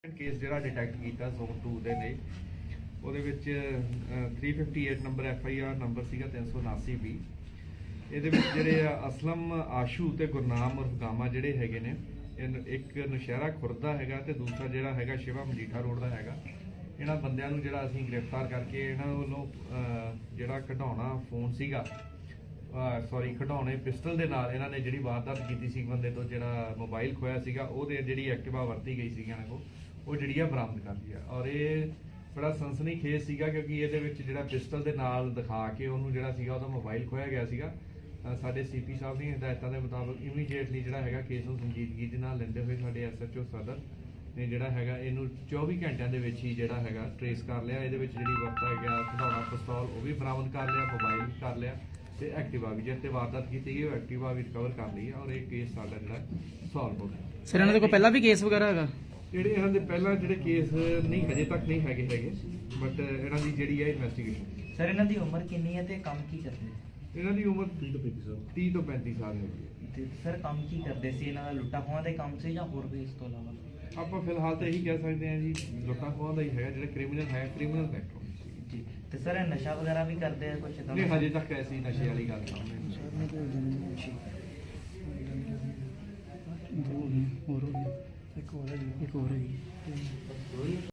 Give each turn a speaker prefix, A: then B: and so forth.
A: Case जो detect किया zone 2 ਦੇ ਨੇ ਉਹਦੇ ਵਿੱਚ 358 ਨੰਬਰ FIR ਨੰਬਰ ਸੀਗਾ 379 ਵੀ ਇਹਦੇ ਵਿੱਚ ਜਿਹੜੇ ਅਸਲਮ ਆਸ਼ੂ ਤੇ ਗੁਰਨਾਮ ਉਰਫ ਗਾਮਾ ਜਿਹੜੇ ਹੈਗੇ ਨੇ ਇੱਕ ਨਸ਼ਹਿਰਾ ਖੁਰਦ ਦਾ ਹੈਗਾ ਤੇ ਦੂਸਰਾ ਜਿਹੜਾ ਹੈਗਾ ਸ਼ਿਵਾ ਮਜੀਠਾ ਰੋਡ ਦਾ ਹੈਗਾ। ਇਹਨਾਂ ਬੰਦਿਆਂ ਨੂੰ ਜਿਹੜਾ ਅਸੀਂ ਗ੍ਰਿਫਤਾਰ ਕਰਕੇ ਇਹਨਾਂ ਵੱਲੋਂ ਜਿਹੜਾ ਕਢਾਉਣਾ ਫੋਨ ਸੀਗਾ ਸੌਰੀ ਕਢਾਉਣੇ ਪਿਸਟਲ ਦੇ ਨਾਲ ਇਹਨਾਂ ਨੇ ਜਿਹੜੀ ਵਾਰਦਾਤ ਕੀਤੀ ਸੀ ਬੰਦੇ ਤੋਂ ਜਿਹੜਾ ਮੋਬਾਈਲ ਖੋਇਆ ਸੀਗਾ ਉਹਦੇ ਜਿਹੜੀ ਐਕਟਿਵਾ ਵਰਤੀ ਗਈ ਸੀ ਇਹਨਾਂ ਕੋਲ ਉਹ ਜਿਹੜੀ ਆ ਬਰਾਮਦ ਕਰ ਲਈ ਆ। ਔਰ ਇਹ ਬੜਾ ਸਨਸਨੀਖੇਜ਼ ਸੀਗਾ ਕਿਉਂਕਿ ਇਹਦੇ ਵਿੱਚ ਜਿਹੜਾ ਪਿਸਟਲ ਦੇ ਨਾਲ ਦਿਖਾ ਕੇ ਉਹਨੂੰ ਜਿਹੜਾ ਸੀਗਾ ਉਹਦਾ ਮੋਬਾਈਲ ਖੋਇਆ ਗਿਆ ਸੀਗਾ। ਸਾਡੇ CP ਸਾਹਿਬ ਦੀਆਂ ਹਦਾਇਤਾਂ ਦੇ ਮੁਤਾਬਕ ਇਮੀਡੀਏਟਲੀ ਜਿਹੜਾ ਹੈਗਾ ਕੇਸ ਨੂੰ ਸੰਜੀਦਗੀ ਦੇ ਨਾਲ ਲੈਂਦੇ ਹੋਏ ਸਾਡੇ SHO ਸਦਰ ਨੇ ਜਿਹੜਾ ਹੈਗਾ ਇਹਨੂੰ 24 ਘੰਟਿਆਂ ਦੇ ਵਿੱਚ ਹੀ ਜਿਹੜਾ ਹੈਗਾ ਟ੍ਰੇਸ ਕਰ ਲਿਆ। ਇਹਦੇ ਵਿੱਚ ਜਿਹੜੀ ਵਰਤਾ ਗਿਆ ਖਿਡੌਣਾ ਪਿਸਤੌਲ ਉਹ ਵੀ ਬਰਾਮਦ ਕਰ ਲਿਆ, ਮੋਬਾਈਲ ਵੀ ਕਰ ਲਿਆ ਤੇ ਐਕਟਿਵਾ ਵੀ ਜਿੱਤੇ ਵਾਰਦਾਤ ਕੀਤੀ ਗਈ ਉਹ ਐਕਟਿਵਾ ਵੀ ਰਿਕਵਰ ਕਰ ਲਈ ਔਰ ਇਹ ਕੇਸ ਸਾਡਾ ਜਿਹੜਾ ਸੋਲਵ ਹੋ ਗਿਆ।
B: ਸਰ ਇਹਨਾਂ ਦੇ ਕੋਲ ਪਹਿਲਾਂ ਵੀ ਕੇਸ ਵਗੈਰਾ ਹੈਗਾ?
A: ਜਿਹੜੇ ਇਹਨਾਂ ਦੇ ਪਹਿਲਾਂ ਜਿਹੜੇ ਕੇਸ ਨਹੀਂ ਹਜੇ ਤੱਕ ਨਹੀਂ ਹੈਗੇ ਬਟ ਇਹਨਾਂ ਦੀ ਜਿਹੜੀ ਹੈ ਇਨਵੈਸਟੀਗੇਸ਼ਨ।
C: ਸਰ ਇਹਨਾਂ ਦੀ ਉਮਰ ਕਿੰਨੀ ਹੈ ਤੇ ਕੰਮ ਕੀ ਕਰਦੇ?
A: ਇਹਨਾਂ ਦੀ ਉਮਰ 30 ਤੋਂ 35 ਸਾਲ ਹੈਗੀ ਹੈ।
C: ਤੇ ਸਰ ਕੰਮ ਕੀ ਕਰਦੇ ਸੀ? ਇਹਨਾਂ ਦਾ ਲੁੱਟਾ ਖੋਹਾਂ ਦੇ ਕੰਮ ਸੀ ਜਾਂ ਹੋਰ ਵੀ ਇਸ ਤੋਂ ਇਲਾਵਾ?
A: ਆਪਾਂ ਫਿਲਹਾਲ ਤਾਂ ਇਹੀ ਕਹਿ ਸਕਦੇ ਹਾਂ ਜੀ ਲੁੱਟਾਂ ਖੋਹਾਂ ਦਾ ਹੀ ਹੈਗਾ। ਜਿਹੜਾ ਕ੍ਰਿਮੀਨਲ ਹੈ ਕ੍ਰਿਮੀਨਲ ਬੈਕਗ੍ਰਾਉਂਡ
C: ਜੀ। ਤੇ ਸਰ ਇਹ ਨਸ਼ਾ ਵਗੈਰਾ ਵੀ ਕਰਦੇ ਆ ਕੁਝ?
A: ਨਹੀਂ ਹਜੇ ਤੱਕ ਐਸੀ ਨਸ਼ੇ ਵਾਲੀ ਗੱਲ ਸਾਹਮਣੇ ਨਹੀਂ।
B: ਇੱਕ ਹੋਰ ਹੈ